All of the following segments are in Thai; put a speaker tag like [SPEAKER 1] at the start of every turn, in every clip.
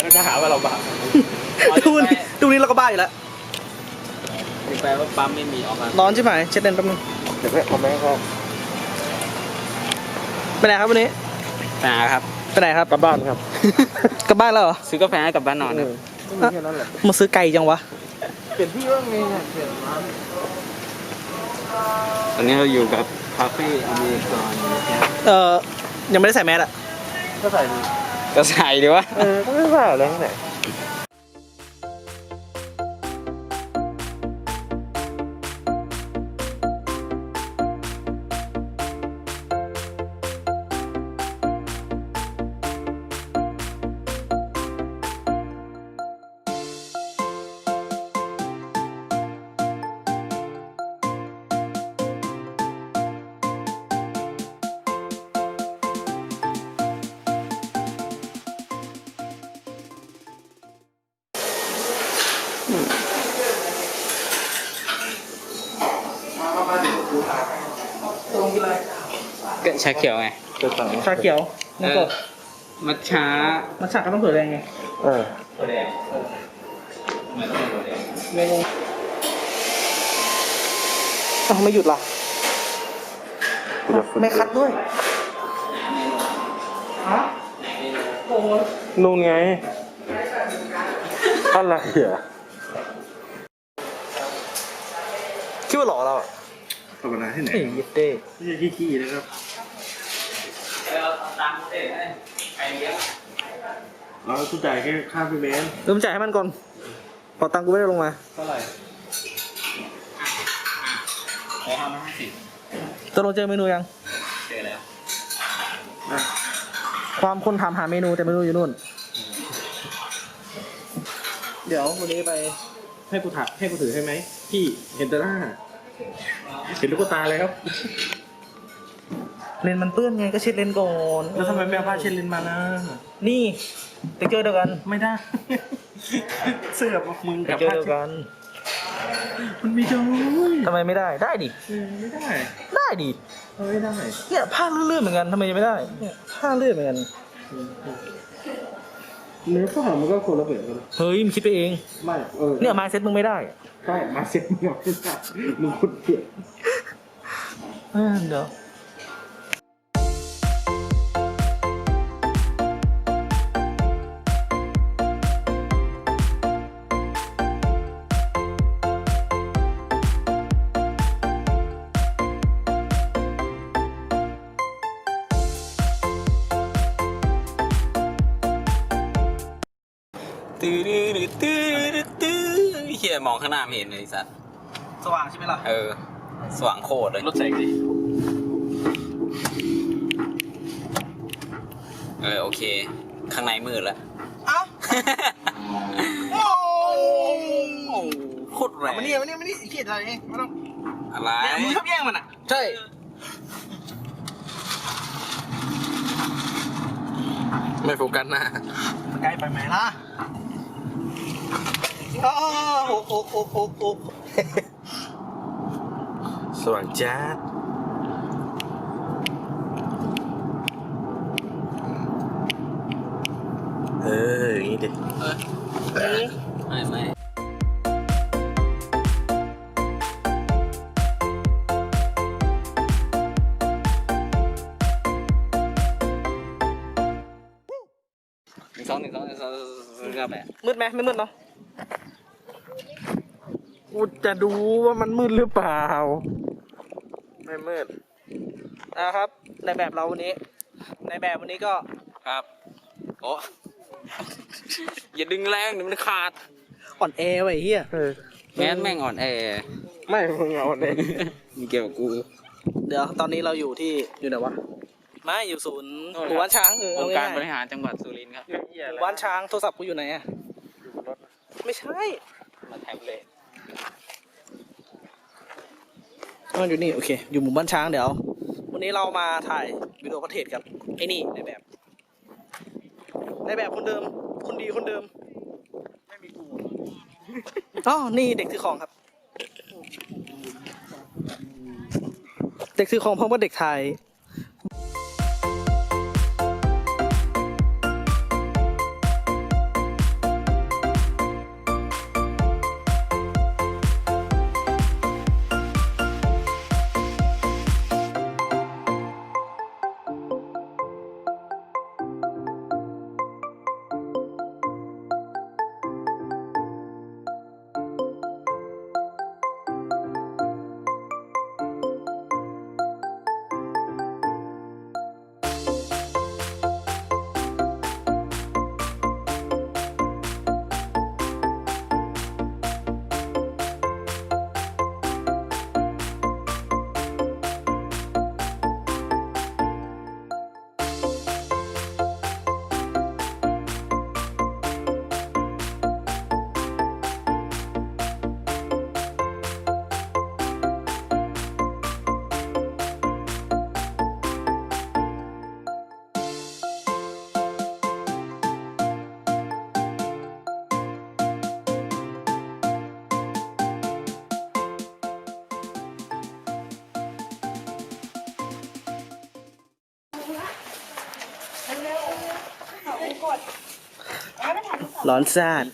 [SPEAKER 1] จะหาว่าเราบ้า
[SPEAKER 2] ดูนี้เราก็บ้าอยู่แล้ว
[SPEAKER 1] แปลว่าปั๊มไม่มีออกมา
[SPEAKER 2] ร้อนใช่ไหมเช็ดเลนแป๊บนึง
[SPEAKER 1] เดี๋ยวเอาไหมครับ
[SPEAKER 2] ไปไหนครับวันนี้
[SPEAKER 1] ครับ
[SPEAKER 2] ไปไหนครับ
[SPEAKER 1] กลับบ้านครับ
[SPEAKER 2] กลับบ้านแล้วเหรอ
[SPEAKER 1] ซื้อกาแฟให้กลับบ้านนอนนะ
[SPEAKER 2] แค่นั้นแหละมาซื้อไก่จังวะ
[SPEAKER 1] เปลี่ยนที่ว่าไงเนี่ยเปลี่ยนร้านตอนนี้เราอยู่กับคาเฟ่อเมริกันนะครับ
[SPEAKER 2] ยังไม่ได้ใส่แมสอะ
[SPEAKER 1] ก็ใส่ดีวะก็ไม่ว่าอะไรที่ไหน
[SPEAKER 2] ตรงกินอะไร
[SPEAKER 1] ก็ชาเขียวไง
[SPEAKER 2] ชาเขียวน้ำสด
[SPEAKER 1] มัทฉะ
[SPEAKER 2] มันฉากก็ต้องเผือแดงไงเมนูอ้าวไม่หยุดล่ะไม่คัดด้วยฮะโอ้ย
[SPEAKER 1] นู่นไงอะไรอ่ะ
[SPEAKER 2] คิดว่าหล่อเราอ่ะ
[SPEAKER 1] ธรรมดาที่ไหน
[SPEAKER 2] เฮ้ยยิดเด้
[SPEAKER 1] ไม่ใช่ขี้ๆนะครับเราต้องจ่ายแค่ค่าพี่เบน
[SPEAKER 2] เริ่มจ่ายให้มันก่อนพอตังค์กูไม่ได้ลงมา
[SPEAKER 1] เท่าไหร่
[SPEAKER 2] ตกลงเจอเมนูยัง
[SPEAKER 1] เจอแล้ว
[SPEAKER 2] ความคนถามหาเมนูแต่เมนูอยู่นู่น เดี๋ยววันนี้ไป
[SPEAKER 1] ให้กูถือให้ไหมพี่เห็นแต่หน้าเห็นลูกตาเลยครับ
[SPEAKER 2] เลนมันเปื้อนไงก็เช็ดเลนก่อน
[SPEAKER 1] แล้วทำไมไม่เอาผ้าเช็ดลิ้นมานะ
[SPEAKER 2] นี่เต็กเจอร์เดียวกัน
[SPEAKER 1] ไม่ได้ เสื้อมึง
[SPEAKER 2] เต็
[SPEAKER 1] กั
[SPEAKER 2] ก
[SPEAKER 1] บ
[SPEAKER 2] เจอร์
[SPEAKER 1] ผ้า
[SPEAKER 2] เดียว
[SPEAKER 1] เช็ด
[SPEAKER 2] กัน
[SPEAKER 1] มันมีจอย
[SPEAKER 2] ทำไมไม่ได้ได้ดิ
[SPEAKER 1] ไม่ได้
[SPEAKER 2] ได้ดิ
[SPEAKER 1] ไม่ได้
[SPEAKER 2] เนี่ยผ้าเลื่อนๆเหมือนกันทำไมจะไม่ได้เนี่ยผ้าเลื่อนเหมือนกัน
[SPEAKER 1] เนื้อผ้ามันก็คนละแบบกัน
[SPEAKER 2] เฮ้ยมึงคิดไปเอง
[SPEAKER 1] ไม่
[SPEAKER 2] เนี่ยไม้เซ็ตมึงไม่ได้
[SPEAKER 1] ใช่มาเซ็ตมึงไม่ได้มึงคนเปลี่ยน
[SPEAKER 2] เดี๋ยว
[SPEAKER 1] ตื้อเฮียมองข้างหน้าไม่เห็นเลยสัตว์
[SPEAKER 2] สว่างใช่ไหมล่ะ
[SPEAKER 1] สว่างโคตรเลยรถแสงดิโอเค ข้างในมืดแล้ว
[SPEAKER 2] เอ้าโอ้
[SPEAKER 1] โคตรแรง
[SPEAKER 2] มานี่เขียดอะไรเองไม่ต้อง
[SPEAKER 1] อะไร
[SPEAKER 2] เนี่ยมึงชอบแย่งมันอ่ะใช่
[SPEAKER 1] ไม่โฟกัสหน้า
[SPEAKER 2] ใกล้ไปไหมล่ะโอ้
[SPEAKER 1] สว่างจ้าอย่างนี้ดิไม่1 2 1 2 1 2แบบ
[SPEAKER 2] มืดไหมไม่มืดเนาะ
[SPEAKER 1] กูจะดูว่ามันมืดหรือเปล่าไม่มืด
[SPEAKER 2] นะครับในแบบเราวันนี้ในแบบวันนี้ก็
[SPEAKER 1] ครับโอ้อย่าดึงแรงเดี๋ยวมันขาด
[SPEAKER 2] อ่อนแอไว้เฮีย
[SPEAKER 1] แม่งอ่อนแอไม่มึงอ่อนแอมีเกี่ยวกับกู
[SPEAKER 2] เดี๋ยวตอนนี้เราอยู่ที่อยู่ไหนวะไม่อยู่ศูนย์หมู่บ้านช้าง
[SPEAKER 1] องค์การ
[SPEAKER 2] เอาง่ายๆ
[SPEAKER 1] บริหารจังหวัดสุรินทร์ครับ
[SPEAKER 2] หมู่บ้านช้างโทรศัพท์กูอยู่ไหนอะไม่ใช่
[SPEAKER 1] มาแท็บเล็ต
[SPEAKER 2] มันอยู่นี่โอเคอยู่หมู่บ้านช้างเดี๋ยววันนี้เรามาถ่ายวิดีโอคอนเทนต์กับไอ้นี่ในแบบคนเดิมคนดีคนเดิมไม่มีกูอ๋อนี่เด็กถือของครับ เด็กถือของเพราะว่าเด็กไทย
[SPEAKER 3] ตรแล้วไปถ่ายรูปก่อน
[SPEAKER 2] ร้อนซาด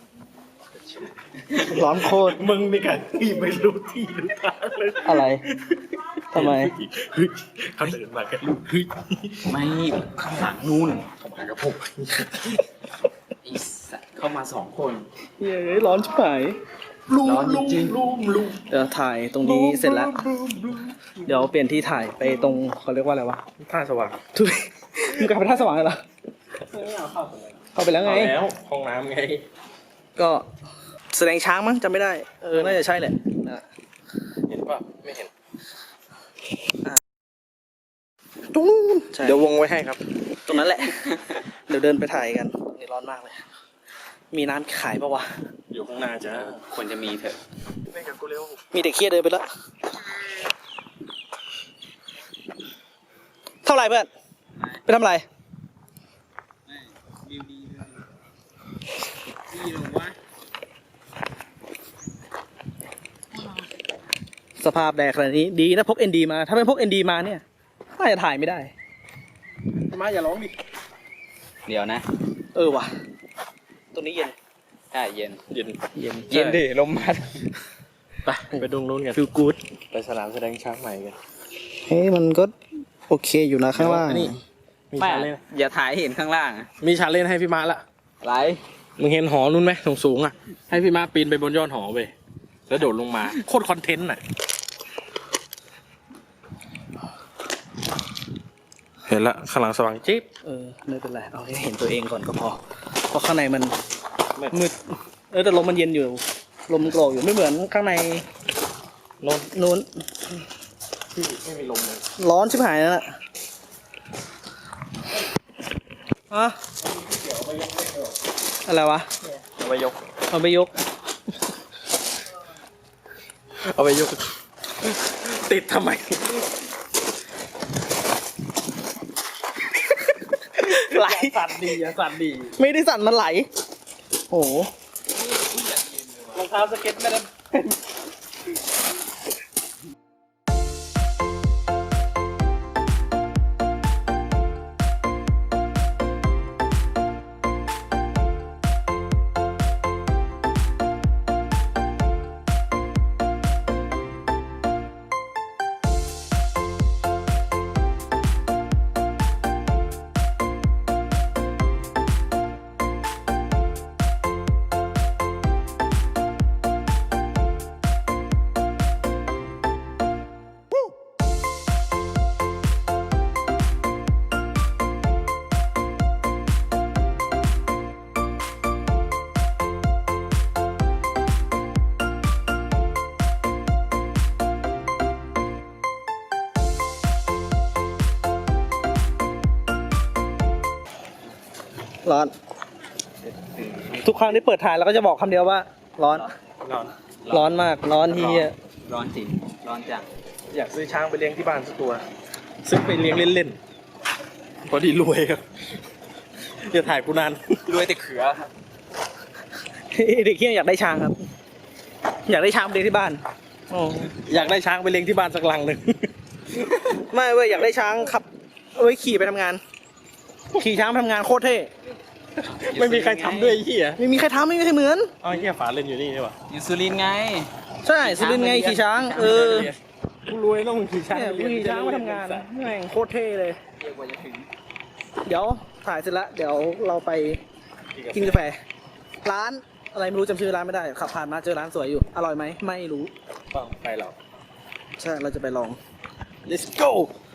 [SPEAKER 2] ร้อนโคตร
[SPEAKER 1] มึงนี่กันที่ไม่รู้ที่รู้ทางเลย
[SPEAKER 2] อะไรทำไม
[SPEAKER 1] เฮ้ยเขาเดินมากันลูกเฮ้ย
[SPEAKER 4] ไม่ข้างหลังนู่น
[SPEAKER 1] เข้ามากับผม
[SPEAKER 4] ไอ้สัตว์เข้ามา2 คน
[SPEAKER 2] เย้ยร้อนชิบหาย
[SPEAKER 1] ลุง
[SPEAKER 4] ร้อนจ
[SPEAKER 1] ลุง
[SPEAKER 4] ริง
[SPEAKER 1] ลุงลุง
[SPEAKER 2] เดี๋ยวถ่ายตรงนี้เสร็จแล้ว เดี๋ยวเปลี่ยนที่ถ่ายไปตรงเขาเรียกว่าอะไรวะ
[SPEAKER 1] ท่าสว่าง
[SPEAKER 2] ทุยมึงกลับไปท่าสว่างเลยเหรอเข้าไปแล้วไง
[SPEAKER 1] เอาแล้วห้องน้ำไง
[SPEAKER 2] ก็แสดงช้างมั้งจำไม่ได้ น่าจะใช่แหละนะ
[SPEAKER 1] เห็นป่ะไม่เห็น
[SPEAKER 2] ตรงนู้นใช่
[SPEAKER 1] เดี๋ยววงไว้ให้ครับ
[SPEAKER 2] ตรงนั้นแหละ เดี๋ยวเดินไปถ่ายกันนี่ร้อนมากเลย มีน้ำขายปะวะ
[SPEAKER 1] อยู่ข้างหน้าจ้า
[SPEAKER 4] ควรจะมีเถอะ
[SPEAKER 1] เล่นกับกูเร็ว
[SPEAKER 2] มีแต่เครียดเดินไปแล้ว เท่าไหร่เพื่อน ไปทำอะไร
[SPEAKER 4] วิวดีดีลงวะ
[SPEAKER 2] สภาพแดดขนาดนี้ดีนะพก ND มา ถ้าไม่พก ND มาเนี่ยน่าจะถ่ายไม่ได้
[SPEAKER 1] มาอย่าร้องดิ
[SPEAKER 4] เดี๋ยวนะ
[SPEAKER 2] ว่ะ ตรงนี้เย็น
[SPEAKER 4] ใช่เย็น
[SPEAKER 1] เย็น
[SPEAKER 2] เย็น
[SPEAKER 4] เย็นดิลมพัด
[SPEAKER 1] ไปดูนู้นกัน
[SPEAKER 2] ฟิลกู๊ด
[SPEAKER 1] ไปสนามแสดงช้างใหม่กัน
[SPEAKER 2] เฮ้ยมันก็โอเคอยู่นะข้างล่าง
[SPEAKER 1] อันนี้มี
[SPEAKER 4] ไม่
[SPEAKER 1] ชาเลน
[SPEAKER 4] อย่าถ่ายให้เห็นข้างล่างอะ
[SPEAKER 1] มีชาเลนให้พี่มาละ
[SPEAKER 4] ไร
[SPEAKER 1] มึงเห็นหอนู้นไหมสูงๆอ่ะ ให้พี่มาปีนไปบนยอดหอไปแล้วโดดลงมา โคตรคอนเทนต์อ่ะ เห็นละข้างหลังสว่างจิ๊บ
[SPEAKER 2] ไม่เป็นไร เอาให้เห็นตัวเองก่อนก็พอ เพราะข้างในมัน
[SPEAKER 1] มืด
[SPEAKER 2] มืด แต่ลมมันเย็นอยู่ ลมมันโกรกอยู่ไม่เหมือนข้างใน
[SPEAKER 1] โนน
[SPEAKER 2] นู้น
[SPEAKER 1] ที่ไม่มีลมเลย
[SPEAKER 2] ร้อนชิบหายนั่นแหละอะอะไรวะ
[SPEAKER 1] เอาไปยก
[SPEAKER 2] เอาไปยก
[SPEAKER 1] เอาไปยก ติดทำไม
[SPEAKER 2] ไหล
[SPEAKER 1] สั่นดีอะสั่นดี
[SPEAKER 2] ไม่ได้สั่นมันไหล โอ้โห
[SPEAKER 1] รองเท้าสเก็ตไม่ได้
[SPEAKER 2] ร้อน ทุกครั้งที่เปิดถ่ายเราก็จะบอกคำเดียวว่า ร้อน
[SPEAKER 1] นอน
[SPEAKER 2] ร้อนมาก ร้อนเฮีย
[SPEAKER 4] ร้อนจริง ร้อนจัง
[SPEAKER 1] อยากซื้อช้างไปเลี้ยงที่บ้านสักตัว ซื้อไปเลี้ยงเล่นๆพอดีรวยครับอย่าถ่ายกูนาน
[SPEAKER 4] รวยแต่เขือครับ
[SPEAKER 2] เด็กเฮียอยากได้ช้างครับ อยากได้ช้างไปเลี้ยงที่บ้านโอ้
[SPEAKER 1] อยากได้ช้างไปเลี้ยงที่บ้านสักลังหนึ่ง
[SPEAKER 2] ไม่เว้ยอยากได้ช้างขับเอาไว้ขี่ไปทำงาน ขี่ช้างไปทำงานโคตรเท่
[SPEAKER 1] ไม่มีใครทำด้วยไอ้เหี้ย
[SPEAKER 2] ไม่มีใครทำไม่มีใครเหมือน
[SPEAKER 1] เอาไอ้เหี้ยฝาเล่นอยู่นี่ใช่ปะ
[SPEAKER 4] อยู่สุรินทร์ไง
[SPEAKER 2] ใช่สุรินทร์ไงขี่ช้าง
[SPEAKER 1] กูรวยแล้วมึงขี่ช้าง
[SPEAKER 2] เนี่ยกูขี่ช้างมาทำงานแม่งโคตรเท่เลย
[SPEAKER 4] เรียกว่าจะถึง
[SPEAKER 2] เดี๋ยวถ่ายเสร็จแล้วเดี๋ยวเราไปกินกาแฟ ร้านอะไรไม่รู้จำชื่อร้านไม่ได้ ขับผ่านมาเจอร้านสวยอยู่ อร่อยไหมไม่รู้
[SPEAKER 1] ต้องไปหรอก
[SPEAKER 2] ใช่เราจะไปลอง
[SPEAKER 1] let's go